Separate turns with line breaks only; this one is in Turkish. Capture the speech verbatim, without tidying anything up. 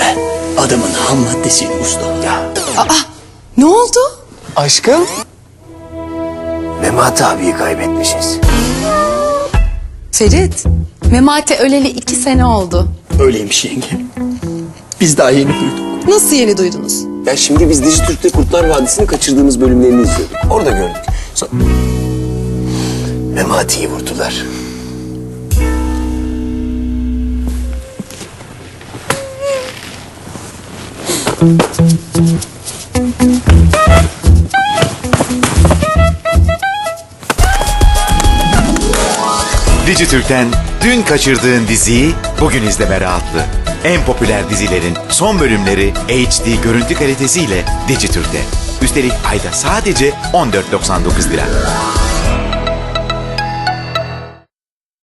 He, adamın ham maddesiydi usta. Ya.
Aa, ne oldu?
Aşkım?
Memati abiyi kaybetmişiz.
Ferit, Memati öleli iki sene oldu.
Öyleymiş yenge. Biz daha yeni duyduk.
Nasıl yeni duydunuz?
Ya şimdi biz Dijitürk'te Kurtlar Vadisi'ni kaçırdığımız bölümlerini izliyorduk. Orada gördük. Sonra...
Memati'yi vurdular.
Dijitürk'ten dün kaçırdığın diziyi bugün izleme rahatlığı. En popüler dizilerin son bölümleri H D görüntü kalitesiyle Dijitürk'te. Üstelik ayda sadece on dört doksan dokuz lira.